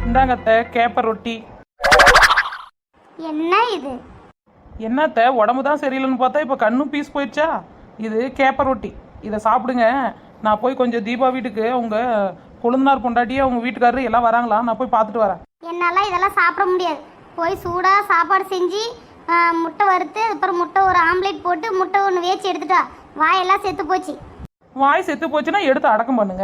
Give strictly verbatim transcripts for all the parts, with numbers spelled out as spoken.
இந்தாங்க அத்தை கேப்ப ரொட்டி. என்ன இது? என்னத்த உடம்பு தான் சரியில்லைன்னு பார்த்தா இப்போ கண்ணும் பீஸ் போயிடுச்சா? இது கேப்ப ரொட்டி, இதை சாப்பிடுங்க. நான் போய் கொஞ்சம் தீபா வீட்டுக்கு அவங்க கொழுந்தனார் பொண்டாட்டியே அவங்க வீட்டுக்காரரு எல்லாம் வராங்களா, நான் போய் பார்த்துட்டு வரேன். என்னால் இதெல்லாம் சாப்பிட முடியாது. போய் சூடாக சாப்பாடு செஞ்சு முட்டை வறுத்து அப்புறம் முட்டை ஒரு ஆம்லேட் போட்டு முட்டை ஒன்று வேச்சு எடுத்துட்டா வாயெல்லாம் செத்து போச்சு. வாய் செத்து போச்சுன்னா எடுத்து அடக்கம் பண்ணுங்க.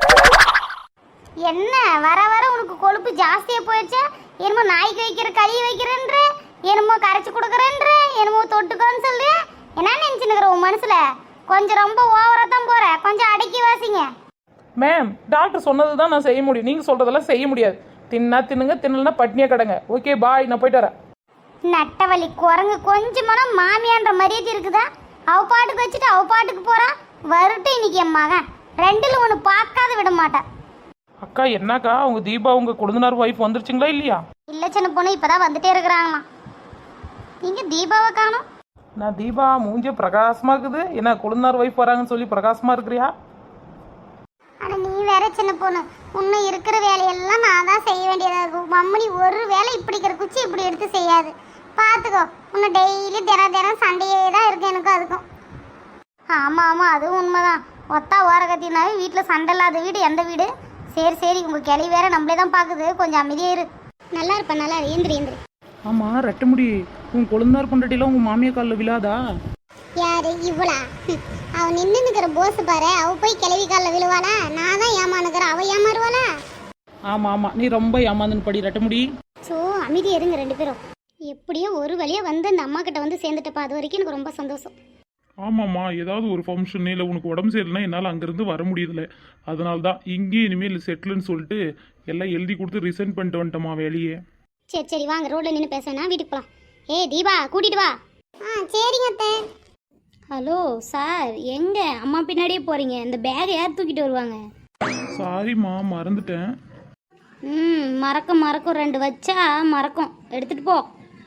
என்ன வர வர உனக்கு கொழுப்பு ஜாஸ்தியாக போயிடுச்சா? என்னமோ நாய்க்கு வைக்கிற களி வைக்கிறேன்ற, என்னமோ கரைச்சி கொடுக்குறேன்ற, என்னமோ தொட்டுக்கோன்னு சொல்லு. என்ன நினச்சினுக்கிற உன் மனசில்? கொஞ்சம் ரொம்ப ஓவராக தான் போகிற, கொஞ்சம் அடக்கி வாசிங்க. மேம், டாக்டர் சொன்னது தான் நான் செய்ய முடியும், நீங்கள் சொல்கிறதெல்லாம் செய்ய முடியாது. தின்னா தின்னுங்க, தின்னலன்னா பட்னியாக கிடங்க. ஓகே பாய், நான் போயிட்டு வரேன். நட்டவழி குரங்கு கொஞ்சமான மாமியான்ற மரியாதை இருக்குதா? அவ பாட்டுக்கு வச்சுட்டு அவ பாட்டுக்கு போறா. வருட்டு இன்னைக்கு என் மகன் ரெண்டுல ஒன்று பார்க்காத விட மாட்டேன். அக்கா என்னக்கா உங்க தீபா உங்க கொழுந்தனார் ஒய்ஃப் வந்துருச்சுங்களா இல்லையா? இல்ல சின்ன பொண்ணு இப்பதான் வந்துட்டே இருக்கிறாங்கம்மா. நீங்க தீபாவை காணோம். நான் தீபா மூஞ்ச பிரகாசமா இருக்குது, என்ன கொழுந்தனார் ஒய்ஃப் வராங்கன்னு சொல்லி பிரகாசமா இருக்கிறியா? ஆனா நீ வேற சின்ன பொண்ணு, இன்னும் இருக்கிற வேலையெல்லாம் நான் தான் செய்ய வேண்டியதா இருக்கும். மம்மனி ஒரு வேலை இப்படிக்கிற குச்சி இப்படி எடுத்து செய்யாது. பார்த்துக்கோ, இன்னும் டெய்லி தினம் தினம் சண்டையே தான் இருக்கு எனக்கும் அதுக்கும். ஆமாம் ஆமாம் அதுவும் உண்மைதான். ஒத்தா ஓரகத்தினாவே வீட்டில் சண்டை இல்லாத வீடு எந்த வீடு? சரி சரி, உங்கள் கிளி வேற நம்மளே தான் பார்க்குது, கொஞ்சம் அமைதியாக இரு. நல்லா இருப்பேன், நல்லா இரு. ஏந்திரி ஏந்திரி. ஆமாம் ரெட்டமுடி, உன் கொழுந்தனார் பொண்டாட்டிலாம் உங்கள் மாமியா காலில் விழாதா? யாரு இவளா? அவ நின்று நிற்கிற போஸ் பாரு, அவ போய் கிளவி காலில் விழுவாளா? நான் தான் ஏமானுக்கிறேன், அவ ஏமாறுவாளா? ஆமாம் ஆமாம், நீ ரொம்ப ஏமாந்துன்னு படி ரெட்டமுடி. ஸோ அமைதியாக இருங்க ரெண்டு பேரும். எப்படியோ ஒரு வழியாக வந்து அந்த அம்மா கிட்ட வந்து சேர்ந்துட்டப்பா, அது வரைக்கும் எனக்கு ரொம்ப சந்தோஷம். ஆமாம்மா, ஏதாவது ஒரு ஃபங்க்ஷன் இல்லை உனக்கு உடம்பு சரியில்லைனா என்னால் அங்கேருந்து வர முடியுதில்ல, அதனால தான் இங்கேயும் இனிமேல் செட்டில்னு சொல்லிட்டு எல்லாம் எழுதி கொடுத்து ரிசைன் பண்ணிட்டு வந்துட்டோமா வேலையே. சரி சரி வாங்க, ரோட்டில் நின்று பேசுனா வீட்டுக்கு போகலாம். ஏ தீபா கூட்டிட்டு வா. ஆ சரிங்க அத்தை. ஹலோ சார், எங்க அம்மா பின்னாடியே போறீங்க? இந்த பேகை யார் தூக்கிட்டு வருவாங்க? சாரிம்மா, மறந்துட்டேன். ம் மறக்கும் மறக்கும், ரெண்டு வச்சா மறக்கும், எடுத்துட்டு போ.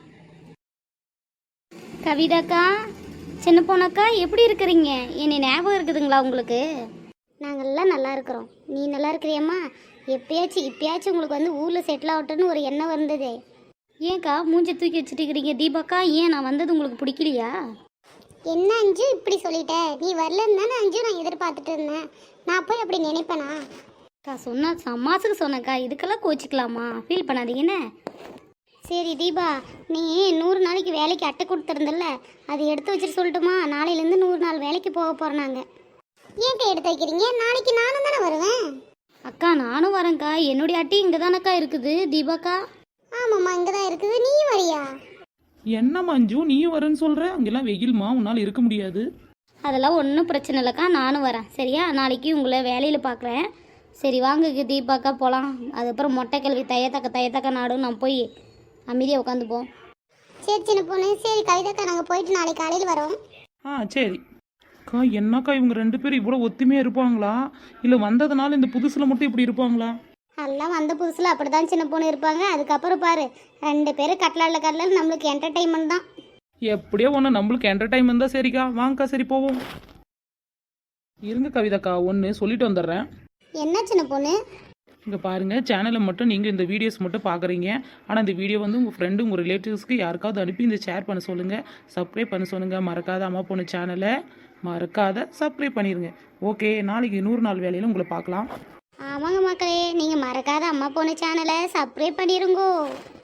கவிதாக்கா, சின்ன பொண்ணக்கா, எப்படி இருக்கிறீங்க? என்னை ஞாபகம் இருக்குதுங்களா உங்களுக்கு? நாங்கள்லாம் நல்லா இருக்கிறோம். நீ நல்லா இருக்கிறியம்மா? எப்பயாச்சும் இப்பயாச்சும் உங்களுக்கு வந்து ஊரில் செட்டில் ஆகட்டும்னு ஒரு எண்ணம் வந்ததே. ஏன்க்கா மூஞ்சி தூக்கி வச்சுட்டு இருக்கிறீங்க? தீபாக்கா, ஏன் நான் வந்தது உங்களுக்கு பிடிக்கலையா? என்ன அஞ்சு இப்படி சொல்லிட்ட? நீ வரலன்னு தானே அஞ்சு நான் எதிர்பார்த்துட்டு இருந்தேன். நான் போய் அப்படி நினைப்பேனா? அக்கா சொன்னா சமாசுக்கு சொன்னக்கா, இதுக்கெல்லாம் கோச்சிக்கலாமா? ஃபீல் பண்ணாதீங்கன்னு. சரி தீபா, நீ நூறு நாளைக்கு வேலைக்கு அட்டை கொடுத்துருந்தல்ல, அது எடுத்து வச்சுட்டு சொல்லட்டுமா? நாளையிலேருந்து நூறு நாள் வேலைக்கு போக போகிறோம் நாங்கள். ஏன்க்கா எடுத்து வைக்கிறீங்க? நாளைக்கு நானும் தானே வருவேன். அக்கா நானும் வரேன்க்கா, என்னுடைய அட்டை இங்கே தானக்கா இருக்குது. தீபாக்கா ஆமாம்மா இங்கே தான் இருக்குது. நீ வரியா? என்ன மஞ்சு நீயும் வரேன்னு சொல்கிற? அங்கெல்லாம் வெயில்மா, உன்னால் இருக்க முடியாது. அதெல்லாம் ஒன்றும் பிரச்சனை இல்லைக்கா, நானும் வரேன். சரியா? நாளைக்கு உங்களை வேலையில் பார்க்குறேன். சரி வாங்க தீபாக்கா போகலாம். அதுக்கப்புறம் மொட்டை கல்வி தையத்தக்க தையத்தக்க நாடும் நான் போய் அமைதியாக உட்காந்துப்போம். சரி சின்ன பொண்ணு. சரி கவிதாக்கா, நாங்கள் போயிட்டு நாளைக்கு காலையில் வரோம். ஆ சரி. அக்கா என்னக்கா இவங்க ரெண்டு பேரும் இவ்வளோ ஒத்துமையாக இருப்பாங்களா, இல்லை வந்ததுனால இந்த புதுசில் மட்டும் இப்படி இருப்பாங்களா? எல்லாம் வந்த புதுசில் அப்படி தான் சின்ன பொண்ணு இருப்பாங்க. அதுக்கப்புறம் பாரு, ரெண்டு பேரும் கட்டலாவில் கட்டலால் நம்மளுக்கு என்டர்டைன்மெண்ட் தான். எப்படியோ ஒன்று நம்மளுக்கு என்டர்டைன்மெண்ட் தான். சரிக்கா வாங்கக்கா, சரி போவோம். இருங்க கவிதாக்கா, ஒன்று சொல்லிட்டு வந்துடுறேன். என்ன சின்ன பொண்ணு? இங்கே பாருங்கள், சேனலை மட்டும் நீங்கள் இந்த வீடியோஸ் மட்டும் பார்க்குறீங்க. ஆனால் இந்த வீடியோ வந்து உங்கள் ஃப்ரெண்டு உங்கள் ரிலேட்டிவ்ஸ்க்கு யாருக்காவது அனுப்பி இந்த ஷேர் பண்ண சொல்லுங்கள், சப்ஸ்கிரைப் பண்ண சொல்லுங்கள். மறக்காத அம்மா பொண்ணு சேனலை மறக்காத சப்ஸ்கிரைப் பண்ணிடுங்க. ஓகே, நாளைக்கு நூறு நாள் வேலையில் உங்களை பார்க்கலாம். ஆமாங்க மக்களே, நீங்கள் மறக்காத அம்மா பொண்ணு சேனலை சப்ஸ்கிரைப் பண்ணிடுங்கோ.